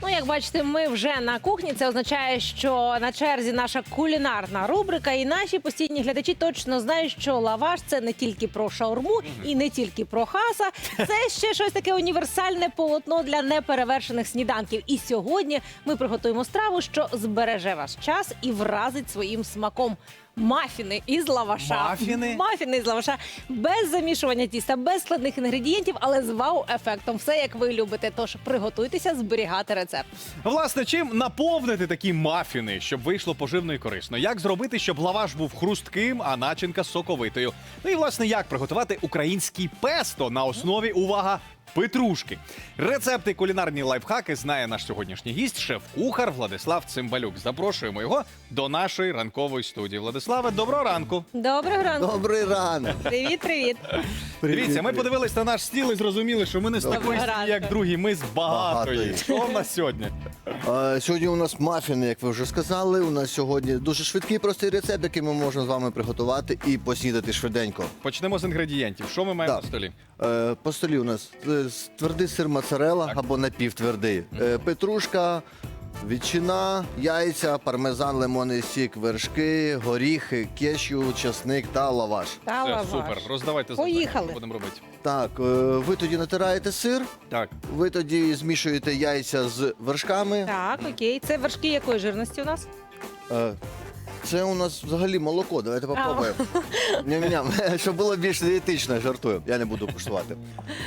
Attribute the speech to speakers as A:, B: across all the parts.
A: Ну, як бачите, ми вже на кухні. Це означає, що на черзі наша кулінарна рубрика. І наші постійні глядачі точно знають, що лаваш – це не тільки про шаурму і не тільки про хаса. Це ще щось таке універсальне полотно для неперевершених сніданків. І сьогодні ми приготуємо страву, що збереже ваш час і вразить своїм смаком. Мафіни із лаваша. Мафіни із лаваша. Без замішування тіста, без складних інгредієнтів, але з вау-ефектом. Все, як ви любите. Тож приготуйтеся зберігати рецепт.
B: Власне, чим наповнити такі мафіни, щоб вийшло поживно і корисно? Як зробити, щоб лаваш був хрустким, а начинка соковитою? Ну і, власне, як приготувати український песто на основі, увага, петрушки. Рецепти і кулінарні лайфхаки знає наш сьогоднішній гість, шеф-кухар Владислав Цимбалюк. Запрошуємо його до нашої ранкової студії. Владиславе, доброго ранку.
A: Доброго ранку.
C: Добрий ранок.
A: Привіт.
B: Дивіться, ми подивились на наш стіл і зрозуміли, що ми не з такої сім'ї, як другі, ми з багатої.
C: Багатої.
B: Що в нас сьогодні?
C: Сьогодні у нас мафіни, як ви вже сказали. У нас сьогодні дуже швидкий, простий рецепт, який ми можемо з вами приготувати і поснідати швиденько.
B: Почнемо з інгредієнтів. Що ми маємо
C: Так.
B: на столі?
C: По столі у нас твердий сир моцарелла або напівтвердий, петрушка, ветчина, яйця, пармезан, лимонний сік, вершки, горіхи, кешю, часник та лаваш.
A: Та
B: Все,
A: лаваш.
B: супер. Роздавайте
A: Поїхали.
B: завдання, що будемо робити.
C: Так, ви тоді натираєте сир,
B: Так.
C: ви тоді змішуєте яйця з вершками.
A: Так, окей. Це вершки якої жирності у нас?
C: Е, Це у нас взагалі молоко. Давайте попробуємо. Ням-ням. Щоб було більш дієтично, жартую. Я не буду куштувати.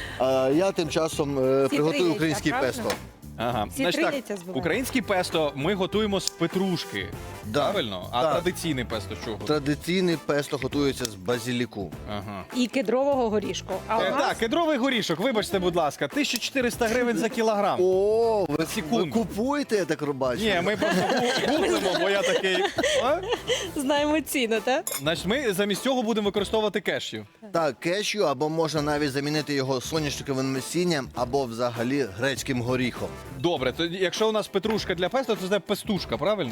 C: Я тим часом приготую
A: яйця,
C: українське
A: правильно?
C: песто.
B: Ага.
A: Всі
B: Значить
A: три
B: так,
A: яйця збиваємо.
B: українське песто ми готуємо з петрушки.
C: Да.
B: Правильно? А
C: Так.
B: традиційне песто з чого?
C: Традиційне песто готується з базиліку.
B: Ага.
A: І кедрового горішку. А у нас
B: Так, кедровий горішок, вибачте, будь ласка, 1400 гривень за кілограм.
C: О, ви
B: Секунду.
C: купуєте, я так бачу?
B: Ні, ми просто гуглимо, бо я такий. А?
A: знаємо ціну, так?
B: Значить, ми замість цього будемо використовувати кешю.
C: Так, кешю, або можна навіть замінити його соняшниковим насінням, або взагалі грецьким горіхом.
B: Добре, то якщо у нас петрушка для песто, то це пестушка, правильно?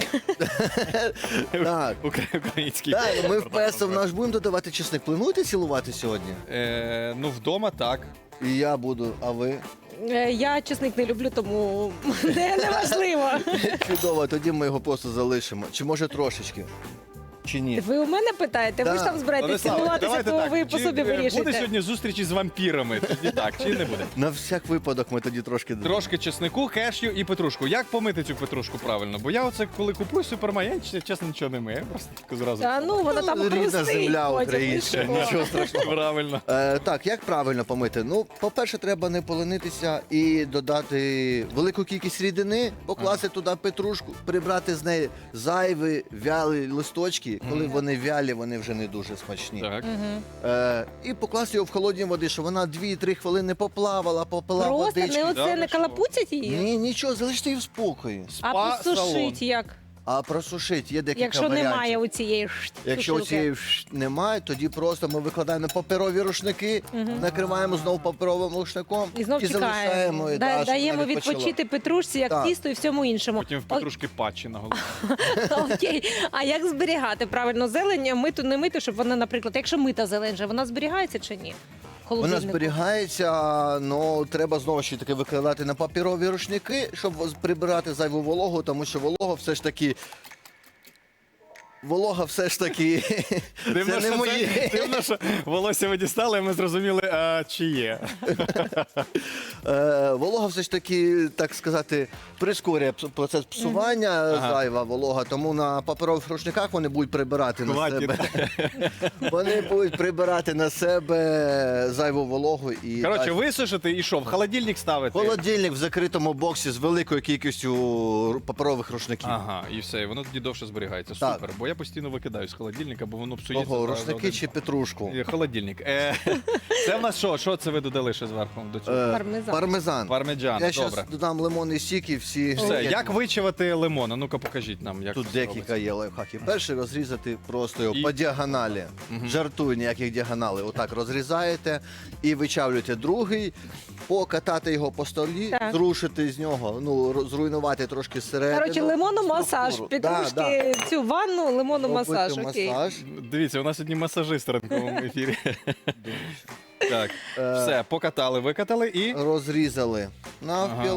C: Так.
B: Український.
C: Так, ми в песто в наш будемо додавати чесник. Плануєте цілувати сьогодні?
B: Ну, вдома так.
C: І я буду, а ви?
A: Я чесник не люблю, тому не важливо.
C: Чудово, тоді ми його просто залишимо. Чи може трошечки? Чи ні?
A: Ви у мене питаєте? Ви ж
C: Так.
A: там збираєтесь
B: Владиславе,
A: цілуватися,
B: давайте
A: то
B: так.
A: ви по
B: Чи,
A: собі
B: буде
A: вирішуєте.
B: сьогодні зустрічі з вампірами? Тоді так, чи не буде?
C: На всяк випадок ми тоді трошки...
B: Трошки чеснику, кешю і петрушку. Як помити цю петрушку правильно? Бо я оце, коли купую супермаркет, я чесно нічого не мию. Я просто таку зразу.
A: Та ну, вона там
C: Рідна
A: хрустить
C: земля
A: потім,
C: українська,
A: і що?
C: нічого страшного.
B: Правильно.
C: Так, як правильно помити? Ну, по-перше, треба не поленитися і додати велику кількість рідини, покласти туди петрушку, прибрати з неї зайві вялі листочки. Коли вони вялі, вони вже не дуже смачні.
B: Так.
C: І покласти його в холодні води, щоб вона 2-3 хвилини поплавала, попила
A: Просто
C: водички.
A: не
B: Да,
A: оце
B: ви
A: не
B: що?
A: калапуцять її,
C: Ні, нічого, залиште її в спокої.
A: а
B: Спа-салон.
A: посушить як?
C: А просушить є декілька
A: Якщо
C: варіантів.
A: немає у цієї
C: Якщо
A: сушилки.
C: цієї немає, тоді просто ми викладаємо на паперові рушники, накриваємо знову паперовим рушником
A: І знов чекаємо.
C: залишаємо. і, щоб
A: Даємо
C: вона відпочила.
A: відпочити петрушці, як
C: Так.
A: тісту і всьому іншому.
B: Потім в петрушки патчі на голову.
A: Окей. А як зберігати правильно зелень? Миту, не миту, щоб вона, наприклад, якщо мита зелень, же, вона зберігається чи ні? В
C: Вона
A: холодильнику?
C: зберігається, але треба знову ж таки викладати на паперові рушники, щоб прибирати зайву вологу, тому що волога все ж таки це не моє.
B: Дивно, що волосся ви дістали, і ми зрозуміли, чи є.
C: Волога все ж таки, так сказати, прискорює процес псування, зайва волога, тому на паперових рушниках вони будуть прибирати на
B: Хватить.
C: себе. Вони будуть прибирати на себе зайву вологу і
B: Коротше,
C: так.
B: висушити і що, в холодильник ставити?
C: Холодильник в закритому боксі з великою кількістю паперових рушників.
B: Ага, і все, і воно тоді довше зберігається.
C: Так.
B: Супер. Бо я постійно викидаю з холодильника, бо воно псується.
C: Ого,
B: за
C: рушники
B: один-
C: чи петрушку?
B: Холодильник. Це в нас що? Що це ви додали ще зверху до цього?
A: Пармезан.
C: Пармезан.
B: Пармеджан,
C: Я
B: добре.
C: зараз додам лимонний сік і всі.
B: Все, як вичавати лимон? А ну-ка покажіть нам, як
C: Тут
B: це
C: декілька
B: робиться.
C: є лайфхаків. Перший розрізати просто його
B: І-
C: по діагоналі. Жартую, ніяких діагоналей. Отак розрізаєте і вичавлюєте. Другий, покатати його по столі,
A: Так.
C: зрушити з нього, ну, зруйнувати трошки середину.
A: Коротше, лимономасаж.
C: структуру.
A: Петрушки, цю ванну, лимономасаж.
C: Робити
A: Окей.
C: масаж.
B: Дивіться, у нас сьогодні масажист в ранковому ефірі. Так, все, покатали, викатали і.
C: Розрізали навпіл.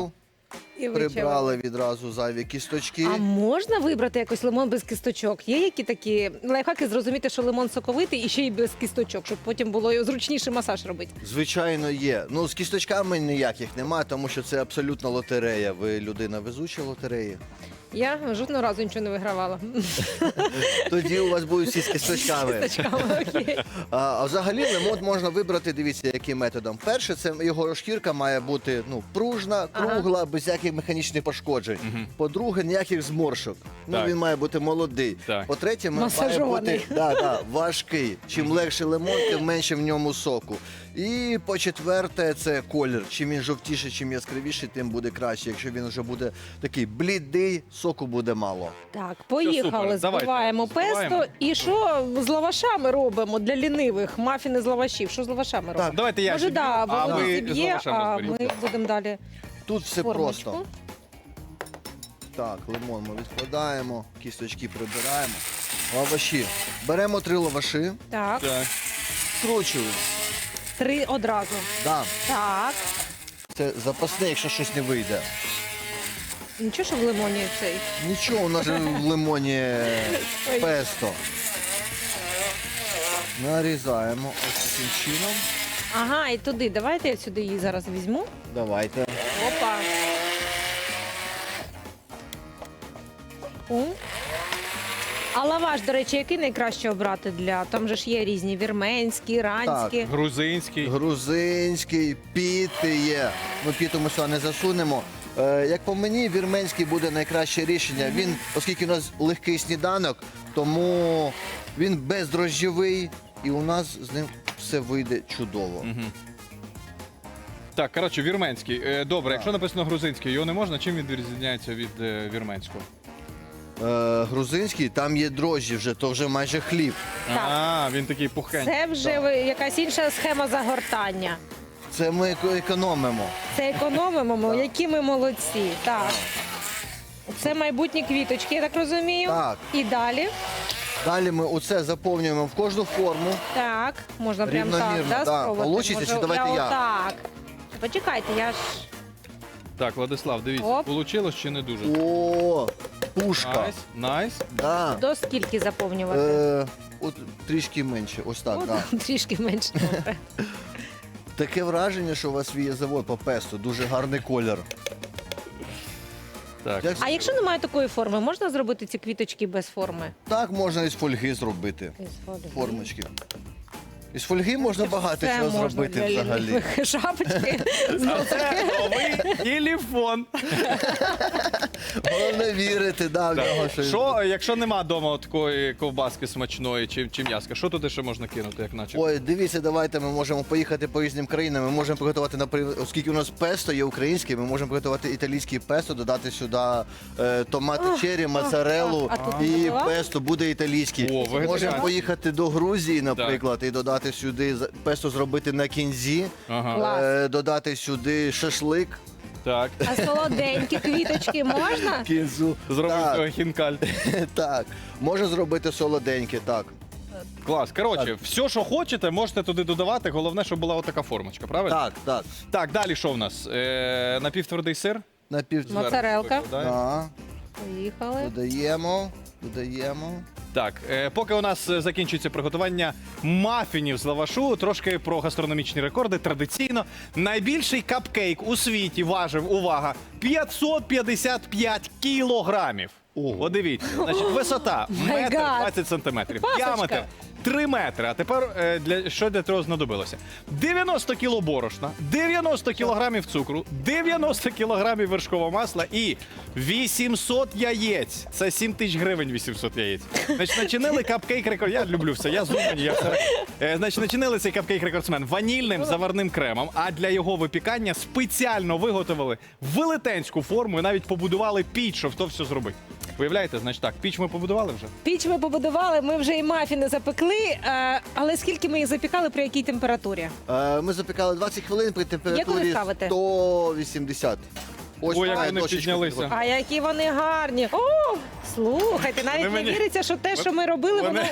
A: І вичавили.
C: Прибрали відразу зайві кісточки.
A: А можна вибрати якось лимон без кісточок? Є які такі лайфхаки зрозуміти, що лимон соковитий і ще й без кісточок, щоб потім було зручніше масаж робити?
C: Звичайно, є. Ну, з кісточками ніяких немає, тому що це абсолютно лотерея. Ви людина везуча лотереї.
A: Я жодного разу нічого не вигравала.
C: Тоді у вас будуть всі з кісточками.
A: Кісточками, окей.
C: А взагалі лимон можна вибрати, дивіться, яким методом. Перше, це його шкірка має бути пружна, кругла, без всяких механічних пошкоджень. По-друге, ніяких зморшок.
B: Так.
C: Він має бути молодий.
B: Так.
C: По-третє, має
A: Масажований.
C: бути важкий. Чим легше лимон, тим менше в ньому соку. І по-четверте, це колір. Чим він жовтіший, чим яскравіший, тим буде краще. Якщо він вже буде такий блідий, соку буде мало.
A: Так,
B: супер.
A: поїхали,
B: Давайте,
A: збиваємо
B: збиваємо.
A: песто. І що з лавашами робимо для лінивих? Мафіни з лавашів. Що з лавашами робимо?
B: Давайте я
A: Може,
B: зіб'ю,
A: да,
B: а
A: Володя
B: ви з
A: зіб'є,
B: лавашами
A: а
B: зберіть.
A: ми будемо далі
C: Тут все
A: формочку.
C: просто. Так, лимон ми відкладаємо, кісточки прибираємо. Лаваші. Беремо 3 лаваші,
A: Так,
B: Так.
C: скручуємо.
A: 3 одразу.
C: Да.
A: Так.
C: Це запасне, якщо щось не вийде.
A: Нічого, що в лимоні цей.
C: Нічого, у нас же в лимоні песто. Нарізаємо ось таким чином.
A: Ага, і туди. Давайте я сюди її зараз візьму.
C: Давайте.
A: Опа. О. А лаваш, до речі, який найкраще обрати для? Там же ж є різні вірменські, іранські.
B: Грузинський.
C: Грузинський, піти є. Ну, піту ми сюди не засунемо. Як по мені, вірменський буде найкраще рішення. Він, оскільки у нас легкий сніданок, тому він бездрожжєвий, і у нас з ним все вийде чудово.
B: Так, коротше, вірменський. Добре, якщо написано грузинський, його не можна, чим він відрізняється від вірменського?
C: Грузинський, там є дрожжі вже, то вже майже хліб.
A: Так.
B: А, він такий пухенький.
A: Це вже якась інша схема загортання.
C: Це ми економимо.
A: Це економимо, ми, які ми молодці. Так. Це майбутні квіточки, я так розумію.
C: Так.
A: І далі.
C: Далі ми оце заповнюємо в кожну форму.
A: Так, можна прямо так,
C: Рівномірно,
A: да,
C: да.
A: спробувати?
C: Получиться, чи давайте я?
A: Так. Почекайте, я ж...
B: Так, Владислав, дивіться,
A: Оп.
B: получилось чи не дуже?
C: О, пушка.
B: Найс, найс.
C: Да.
A: До скільки заповнювати?
C: От трішки менше, ось так.
A: О,
C: Да.
A: трішки менше. Добре.
C: Таке враження, що у вас є завод по песто, дуже гарний колір.
B: Так.
C: Як-
A: А якщо немає такої форми, можна зробити ці квіточки без форми?
C: Так можна із фольги зробити. Формочки. Із фольги можна багато
A: Це
C: чого
A: можна
C: зробити
A: для
C: взагалі.
A: лінивих. Шапочки.
B: А це новий телефон.
C: Головне вірити, да, в нього щось.
B: Що, якщо нема вдома такої ковбаски смачної чи м'яска, що туди ще можна кинути, як наче?
C: Ой, дивіться, давайте ми можемо поїхати по різним країнам. Ми можемо приготувати, наприклад, оскільки у нас песто є українське, ми можемо приготувати італійське песто, додати сюди томати черрі, моцарелу
A: а тут
C: і
A: не готова?
C: песто буде італійське.
B: О, вегетаріанське.
C: Можемо поїхати до Грузії, наприклад, і додати сюди песто зробити на кінзі,
B: Ага,
A: Клас.
C: додати сюди шашлик.
B: так.
A: А солоденькі квіточки можна?
C: Кінзу.
B: Зробив
C: Так,
B: цього хінкаль.
C: так. Можна зробити солоденьке, так.
B: Клас. Коротше, все, що хочете, можете туди додавати. Головне, щоб була отака формочка, правильно?
C: Так, так.
B: Так, далі що в нас? Напівтвердий сир.
C: На пів...
A: Моцарелла. Моцарелка.
B: Викладаємо.
C: Так,
A: Поїхали.
C: додаємо.
B: Так, поки у нас закінчується приготування мафінів з лавашу, трошки про гастрономічні рекорди. Традиційно найбільший капкейк у світі важив, увага, 555 кілограмів. От дивіться, значить, висота
A: My
B: метр
A: God.
B: 20 сантиметрів,
A: Пасочка.
B: діаметр 3 метри. А тепер що для цього знадобилося? 90 кіло борошна, 90 кілограмів цукру, 90 кілограмів вершкового масла і 800 яєць. Це 7 тисяч гривень 800 яєць. Значить, начинили капкейк рекорд. Я люблю все, я з Умані, я все. Значить, начинили цей капкейк рекордсмен ванільним заварним кремом, а для його випікання спеціально виготовили велетенську форму і навіть побудували піч, щоб то все зробити. Уявляєте, значить так, піч ми побудували вже?
A: Піч ми побудували, ми вже і мафіни запекли, але скільки ми їх запікали, при якій температурі?
C: Ми запікали 20 хвилин при температурі
A: ставите?
C: 180. Ось
B: Ой, як
C: має
B: вони
C: дощечку
B: піднялися.
C: таку.
A: А які вони гарні! О, слухайте, навіть
B: Вони
A: не
B: мені-
A: віриться, що те, що ми робили,
B: вони-
A: воно в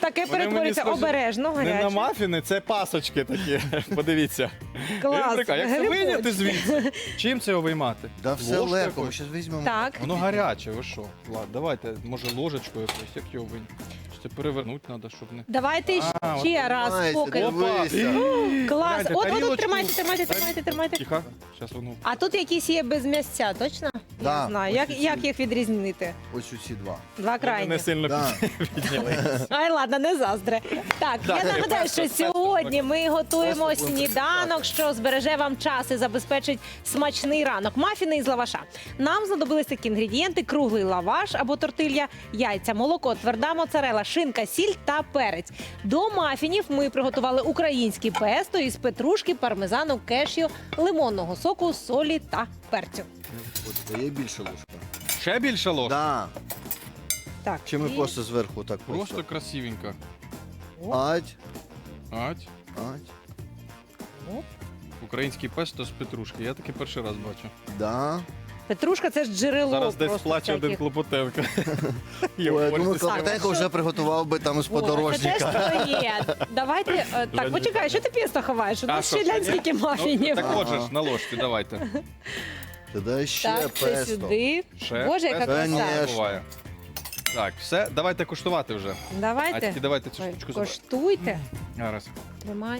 A: таке
B: Вони мені
A: перетворюється
B: схожі
A: обережно,
B: Не на
A: гаряче.
B: мафіни, це пасочки такі. Подивіться.
A: Клас,
B: Рубрика, як це
A: грибочки.
B: вийняти звідси? Чим це його виймати?
C: Да все
B: Ложкою
C: легко, ми
B: якоюсь?
C: зараз візьмемо.
A: Так.
B: Воно гаряче, ви що? Влад, давайте, може, ложечкою якось, як його вийняти? Чи це перевернути треба, щоб не...
A: Давайте
B: А,
A: ще
B: от
A: раз,
C: Майся,
A: поки.
C: дивися.
A: Клас.
B: Гляньте,
A: От,
B: тарілочку.
A: тримайте.
B: Тихо, зараз воно...
A: А тут якісь є без м'ясця, точно? Я
C: Да,
A: не знаю.
C: ось ці.
A: Як їх відрізнити?
C: Ось усі два.
A: Два
B: Не
A: крайні.
B: сильно
C: Да.
B: підняли.
A: Ай, ладно, не заздре. Так, я
B: Так,
A: нагадаю, що
B: песто,
A: сьогодні ми готуємо
C: Песто будемо
A: сніданок,
C: приготувати.
A: що збереже вам час і забезпечить смачний ранок. Мафіни із лаваша. Нам знадобились такі інгредієнти: круглий лаваш або тортилья, яйця, молоко, тверда моцарела, шинка, сіль та перець. До мафінів ми приготували українське песто із петрушки, пармезану, кешю, лимонного соку, солі та перцю.
C: От, дає більше ложка.
B: Ще більше ложка?
C: Да.
A: Так,
C: Чи ми
A: і-
C: просто зверху так
B: Просто красивенько.
C: Ать,
B: Ать.
C: ать.
B: Український песто з петрушки. Я таки перший раз бачу.
C: Да.
A: Петрушка це ж джерело.
B: Зараз десь
A: просто
B: плаче один
A: всяких.
B: Клопотенко.
C: Ой, я думаю, Клопотенко вже приготував би там з
A: О, це
C: подорожника.
A: теж твоє. Давайте, так, почекай, що ти песто ховаєш? У нас
B: що,
A: ще глянь,
B: ні?
A: скільки
B: Ну,
A: мафінів.
B: так
C: Ага.
B: от же ж, на ложці, давайте.
C: Тоді ще
A: Так, це
C: песто.
A: сюди.
B: Ще
A: Боже, яка
B: песто
A: краса.
C: Конечно.
B: буває. Так, все, давайте куштувати вже. А
A: Давайте.
B: тільки давайте цю
A: Ой,
B: штучку заберемо.
A: коштуйте.
B: Зараз.
A: Тримай.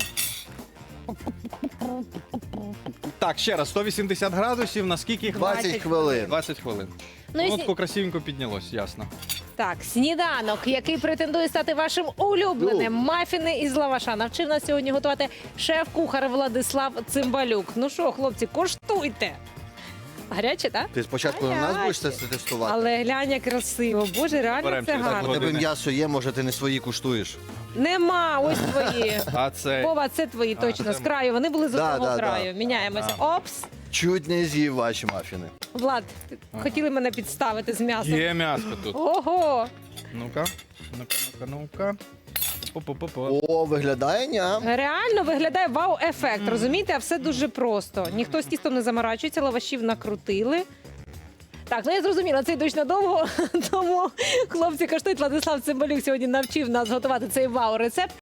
B: Так, ще раз, 180 градусів, на скільки їх?
C: 20 хвилин.
B: 20 хвилин.
A: Ну, і
B: Воно
A: сні-
B: тако красивенько піднялось, ясно.
A: Так, сніданок, який претендує стати вашим улюбленим. Мафіни із лаваша. Навчив нас сьогодні готувати шеф-кухар Владислав Цимбалюк. Ну що, хлопці, коштуйте. Гаряче, так?
C: Ти спочатку на нас будеш це
A: Гаряче.
C: тестувати?
A: Але глянь, як красиво. Боже, реально
B: Берем
A: це
B: через
A: гарно.
C: У тебе
B: години.
C: м'ясо є, може ти не свої куштуєш.
A: Нема, ось твої.
B: А це
A: Вова, це твої точно.
B: це
A: З краю. Вони були з
C: Да,
A: одного
C: да, да.
A: краю. Міняємося. Опс.
C: Чуть не з'їв ваші мафіни.
A: Влад, хотіли мене підставити з м'ясом.
B: є м'ясо тут.
A: Ого!
B: Ну-ка, ну-ка. По-по-по-по.
C: О, виглядає ням.
A: Реально виглядає вау-ефект. Розумієте, а все дуже просто. Ніхто з тістом не заморачується, лавашів накрутили. Так, ну я зрозуміла, це йдуть надовго. Тому хлопці коштують. Владислав Цимбалюк сьогодні навчив нас готувати цей вау-рецепт.